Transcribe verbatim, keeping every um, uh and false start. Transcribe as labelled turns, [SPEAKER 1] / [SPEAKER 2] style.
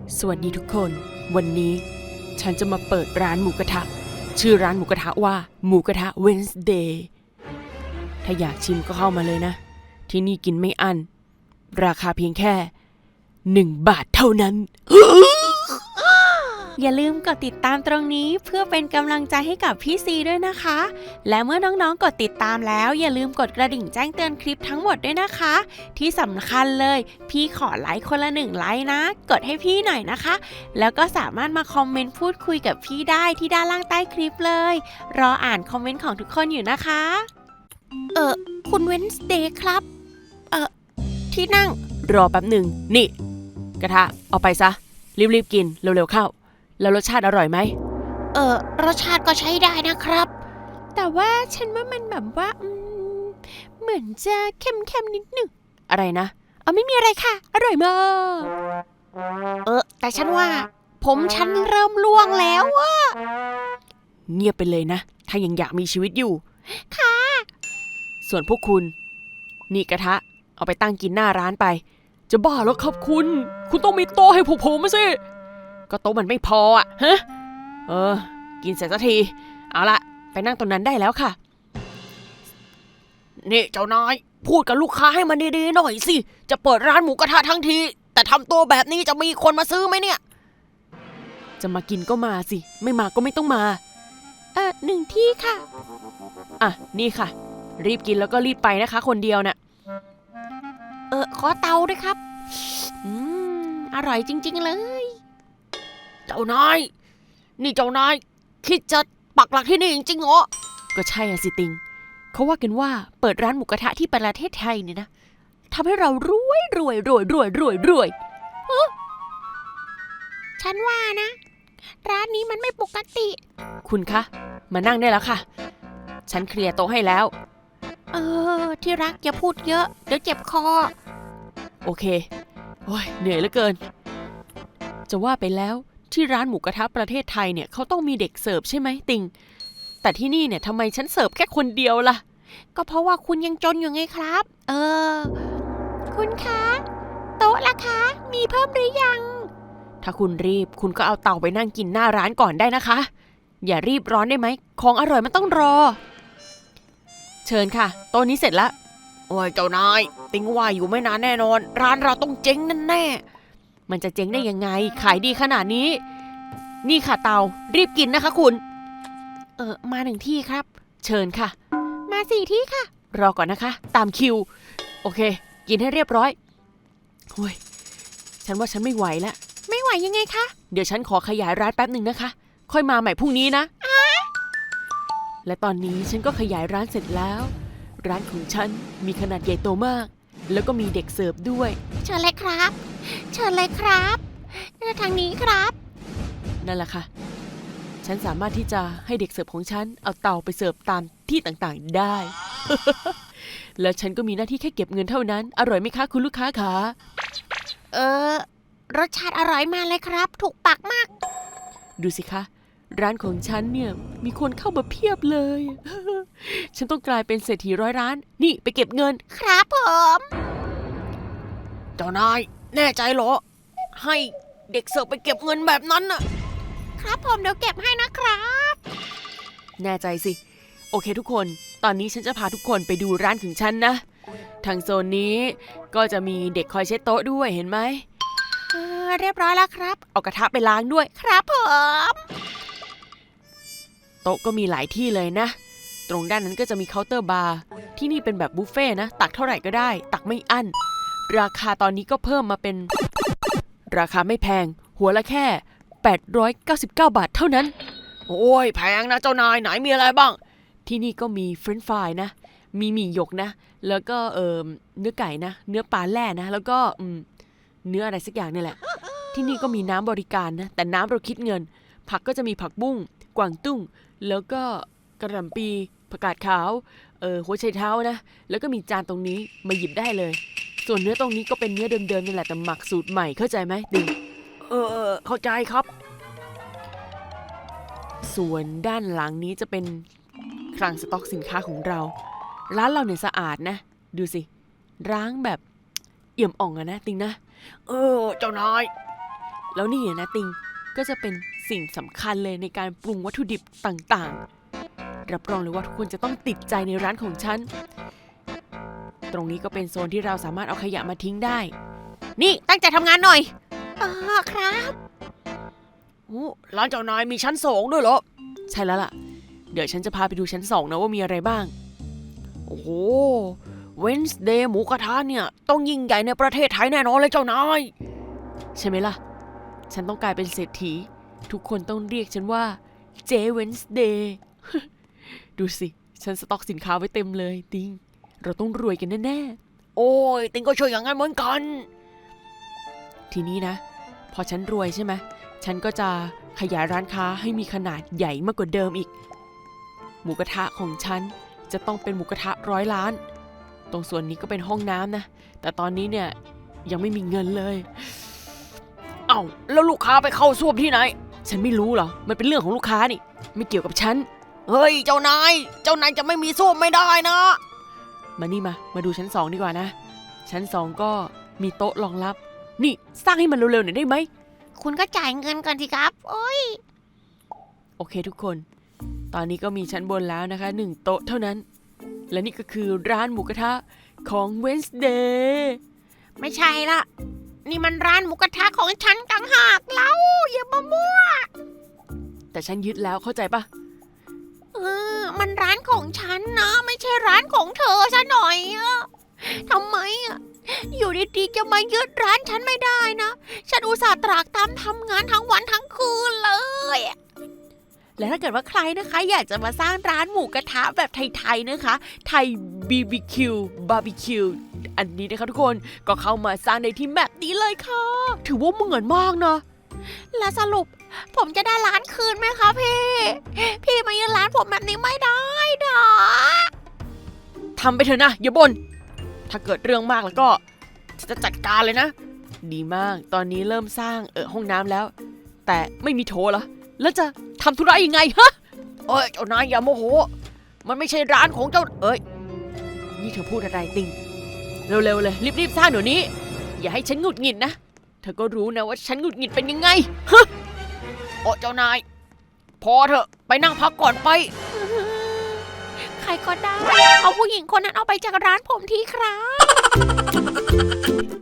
[SPEAKER 1] สวัสดีทุกคนวันนี้ฉันจะมาเปิดร้านหมูกระทะชื่อร้านหมูกระทะว่าหมูกระทะ Wednesday ถ้าอยากชิมก็เข้ามาเลยนะที่นี่กินไม่อั้นราคาเพียงแค่หนึ่งบาทเท่านั้น
[SPEAKER 2] อย่าลืมกดติดตามตรงนี้เพื่อเป็นกำลังใจให้กับพี่ซีด้วยนะคะ และเมื่อน้องๆกดติดตามแล้วอย่าลืมกดกระดิ่งแจ้งเตือนคลิปทั้งหมดด้วยนะคะ ที่สำคัญเลยพี่ขอไลค์คนละหนึ่งไลค์นะกดให้พี่หน่อยนะคะ แล้วก็สามารถมาคอมเมนต์พูดคุยกับพี่ได้ที่ด้านล่างใต้คลิปเลยรออ่านคอมเมนต์ของทุกคนอยู่นะคะเออคุณเวนสเดย์ครับเออที่นั่ง
[SPEAKER 1] รอแป๊บหนึ่งนี่กระทะเอาไปซะรีบๆกินเร็วๆเข้าแล้วรสชาติอร่อยไหม
[SPEAKER 2] เออรสชาติก็ใช้ได้นะครับ แต่ว่าฉันว่ามันแบบว่าอืมเหมือนจะเค็มๆนิดหนึ่ง
[SPEAKER 1] อะไรนะเอาไม่มีอะไรค่ะอร่อยมาก
[SPEAKER 2] เออแต่ฉันว่า ผมฉันเริ่มล่วงแล้วอะ
[SPEAKER 1] เงียบไปเลยนะถ้ายังอยากมีชีวิตอยู่
[SPEAKER 2] ค่ะ
[SPEAKER 1] ส่วนพวกคุณนี่กระทะเอาไปตั้งกินหน้าร้านไปจะบ้าแล้วครับคุณคุณต้องมีโต๊ะให้พวกผมมาสิก็โต๊ะมันไม่พออ่ะฮะเออกินเสร็จสักทีเอาละไปนั่งตรงนั้นได้แล้วค่ะนี่เจ้านายพูดกับลูกค้าให้มันดีๆหน่อยสิจะเปิดร้านหมูกระทะทั้งทีแต่ทำตัวแบบนี้จะมีคนมาซื้อไหมเนี่ยจะมากินก็มาสิไม่มาก็ไม่ต้องมา
[SPEAKER 2] เออหนึ่งที่ค่ะ
[SPEAKER 1] อ่ะนี่ค่ะรีบกินแล้วก็รีบไปนะคะคนเดียวน่ะ
[SPEAKER 2] เออขอเตาด้วยครับอืมอร่อยจริงๆเลย
[SPEAKER 1] เจ้านายนี่เจ้านายคิดจะปักหลักที่นี่จริงๆเหรอก็ใช่อะสิติงเขาว่ากันว่าเปิดร้านหมูกระทะที่ประเทศไทยเนี่ยนะทำให้เรารวยรวยรวยรวยรวยรวย
[SPEAKER 2] ฉันว่านะ ร้านนี้มันไม่ปกติ
[SPEAKER 1] คุณคะมานั่งได้แล้วค่ะฉันเคลียร์โต๊ะให้แล้ว
[SPEAKER 2] เออที่รักอย่าพูดเยอะเดี๋ยวเจ็บคอ
[SPEAKER 1] โอเคโอ้ยเหนื่อยเหลือเกินจะว่าไปแล้วที่ร้านหมูกระทะประเทศไทยเนี่ยเขาต้องมีเด็กเสิร์ฟใช่ไหมติงแต่ที่นี่เนี่ยทำไมฉันเสิร์ฟแค่คนเดียวล่ะ
[SPEAKER 2] ก็เพราะว่าคุณยังจนอยู่ไงครับ เออ คุณคะ โต๊ะล่ะคะ มีเพิ่มหรือยัง
[SPEAKER 1] ถ้าคุณรีบคุณก็เอาเตาไปนั่งกินหน้าร้านก่อนได้นะคะอย่ารีบร้อนได้ไหมของอร่อยมันต้องรอเชิญค่ะโต๊ะนี้เสร็จแล้วโอ้ยเจ้านายติงว่าอยู่ไม่นานแน่นอนร้านเราต้องเจ๊งแน่ๆมันจะเจ๊งได้ยังไงขายดีขนาดนี้นี่ค่ะเตารีบกินนะคะคุณเออมาหนึ่งที่ครับเชิญค่ะ
[SPEAKER 2] มาสี่ที่ค่ะ
[SPEAKER 1] รอก่อนนะคะตามคิวโอเคกินให้เรียบร้อยโอ้ยฉันว่าฉันไม่ไหวแล้ว
[SPEAKER 2] ไม่ไหวยังไงคะ
[SPEAKER 1] เดี๋ยวฉันขอขยายร้านแป๊บหนึ่งนะคะ ค่อยมาใหม่พรุ่งนี้นะ และตอนนี้ฉันก็ขยายร้านเสร็จแล้ว ร้านของฉันมีขนาดใหญ่โตมาก แล้วก็มีเด็กเสิร์ฟด้วย
[SPEAKER 2] เชิญเลยครับ เชิญเลยครับทางนี้ครับ
[SPEAKER 1] นั่นแหละค่ะ ฉันสามารถที่จะให้เด็กเสิร์ฟของฉันเอาเตาไปเสิร์ฟตามที่ต่างๆได้ แล้วฉันก็มีหน้าที่แค่เก็บเงินเท่านั้น อร่อยไหมคะคุณลูกค้าคะ
[SPEAKER 2] เออ รสชาติอร่อยมากเลยครับ ถูกปากมาก
[SPEAKER 1] ดูสิคะร้านของฉันเนี่ยมีคนเข้ามาเพียบเลย ฉันต้องกลายเป็นเศรษฐีร้อยล้านนี่ไปเก็บเงิน
[SPEAKER 2] ครับผม
[SPEAKER 1] เจ้านายแน่ใจเหรอให้เด็กเสิร์ฟไปเก็บเงินแบบนั้นน่ะ
[SPEAKER 2] ครับผมเดี๋ยวเก็บให้นะครับ
[SPEAKER 1] แน่ใจสิโอเคทุกคนตอนนี้ฉันจะพาทุกคนไปดูร้านของฉันนะทางโซนนี้ก็จะมีเด็กคอยเช็ดโต๊ะด้วยเห็นไหม
[SPEAKER 2] เออเรียบร้อยแล้วครับ
[SPEAKER 1] เอากระทะไปล้างด้วย
[SPEAKER 2] ครับผม
[SPEAKER 1] โต๊ะก็มีหลายที่เลยนะตรงด้านนั้นก็จะมีเคาน์เตอร์บาร์ที่นี่เป็นแบบบุฟเฟ่นะตักเท่าไหร่ก็ได้ตักไม่อั้นราคาตอนนี้ก็เพิ่มมาเป็นราคาไม่แพงหัวละแค่แปดร้อยเก้าสิบเก้าบาทเท่านั้นโอ้ยแพงนะเจ้านายไหนมีอะไรบ้างที่นี่ก็มีเฟรนช์ฟรายนะมีหมี่หยกนะแล้วก็เอ่อเนื้อไก่นะเนื้อปลาแล่นะแล้วก็อืมเนื้ออะไรสักอย่างนี่แหละที่นี่ก็มีน้ำบริการนะแต่น้ำเราคิดเงินผักก็จะมีผักบุ้งกวางตุ้งแล้วก็กระหล่ำปีผักกาดขาวเออหัวไชเท้านะแล้วก็มีจานตรงนี้มาหยิบได้เลยส่วนเนื้อตรงนี้ก็เป็นเนื้อเดิมๆนี่แหละแต่หมักสูตรใหม่เข้าใจไหมดิงเออเข้าใจครับส่วนด้านหลังนี้จะเป็นคลังสต็อกสินค้าของเราร้านเราเนี่ยสะอาดนะดูสิร้างแบบเอี่ยมอ่องอะนะติงนะเออเจ้านายแล้วนี่นะติงก็จะเป็นสิ่งสำคัญเลยในการปรุงวัตถุดิบต่างๆรับรองเลยว่าทุกคนจะต้องติดใจในร้านของฉันตรงนี้ก็เป็นโซนที่เราสามารถเอาขยะมาทิ้งได้นี่ตั้งใจทำงานหน่อย
[SPEAKER 2] อ๋อครับ
[SPEAKER 1] โอ้ร้านเจ้านายมีชั้นสองด้วยเหรอใช่แล้วล่ะเดี๋ยวฉันจะพาไปดูชั้นสองนะว่ามีอะไรบ้างโอ้โหเวนส์เดย์หมูกระทะเนี่ยต้องยิ่งใหญ่ในประเทศไทยแน่นอนเลยเจ้านายใช่ไหมล่ะฉันต้องกลายเป็นเศรษฐีทุกคนต้องเรียกฉันว่าเจเวนส์เดย์ ดูสิฉันสต็อกสินค้าไว้เต็มเลยติงเราต้องรวยกันแน่ๆโอ้ยติงก็ช่วยอย่างนั้นเหมือนกันทีนี้นะพอฉันรวยใช่ไหมฉันก็จะขยายร้านค้าให้มีขนาดใหญ่มากกว่าเดิมอีกหมูกระทะของฉันจะต้องเป็นหมูกระทะร้อยล้านตรงส่วนนี้ก็เป็นห้องน้ำนะแต่ตอนนี้เนี่ยยังไม่มีเงินเลยเอ้าแล้วลูกค้าไปเข้าส้วมที่ไหนฉันไม่รู้เหรอมันเป็นเรื่องของลูกค้านี่ไม่เกี่ยวกับฉันเฮ้ยเจ้านายเจ้านายจะไม่มีส้วมไม่ได้นะมานี่มามาดูชั้นสองดีกว่านะชั้นสองก็มีโต๊ะรองรับนี่สร้างให้มันเร็วๆหน่อยได้ไหม
[SPEAKER 2] คุณก็จ่ายเงินก่อนสิครับโอ้ย
[SPEAKER 1] โอเคทุกคนตอนนี้ก็มีชั้นบนแล้วนะคะหนึ่งโต๊ะเท่านั้นและนี่ก็คือร้านหมูกระทะของ Wednesday
[SPEAKER 2] ไม่ใช่ละนี่มันร้านหมูกระทะของฉันต่างหากเล่าอย่ามามั่ว
[SPEAKER 1] แต่ฉันยึดแล้วเข้าใจปะ
[SPEAKER 2] เออมันร้านของฉันนะไม่ใช่ร้านของเธอซะหน่อยอะทำไมอะอยู่ดีๆจะมายึดร้านฉันไม่ได้นะฉันอุตส่าห์ตรากตามทำงานทั้งวันทั้งคืนเลยและถ้าเกิดว่าใครนะคะอยากจะมาสร้างร้านหมูกระทะแบบไทยๆนะคะไทย บี บี คิว บาร์บีคิว อันนี้นะคะทุกคนก็เข้ามาสร้างในที่แมปนี้เลยค่ะถือว่าเหมือนมากนะและสรุปผมจะได้ร้านคืนไหมคะพี่พี่มายึดร้านผมแบบนี้ไม่ได้นะ
[SPEAKER 1] ทำไปเถอะนะอย่าบ่นถ้าเกิดเรื่องมากแล้วก็จะจัดการเลยนะดีมากตอนนี้เริ่มสร้างเออห้องน้ำแล้วแต่ไม่มีโถเหรอแล้วจะทำธุระยังไงฮะเอ้ยเจ้านายอย่าโมโหมันไม่ใช่ร้านของเจ้าเอ้ยนี่เธอพูดอะไรติงเร็วๆเลยรีบๆสร้างเดี๋ยวนี้อย่าให้ฉันหงุดหงิดนะเธอก็รู้นะว่าฉันหงุดหงิดเป็นยังไงฮะโอ้เจ้านายพอเถอะไปนั่งพักก่อนไป
[SPEAKER 2] ใครก็ได้เอาผู้หญิงคนนั้นเอาไปจากร้านผมทีครับ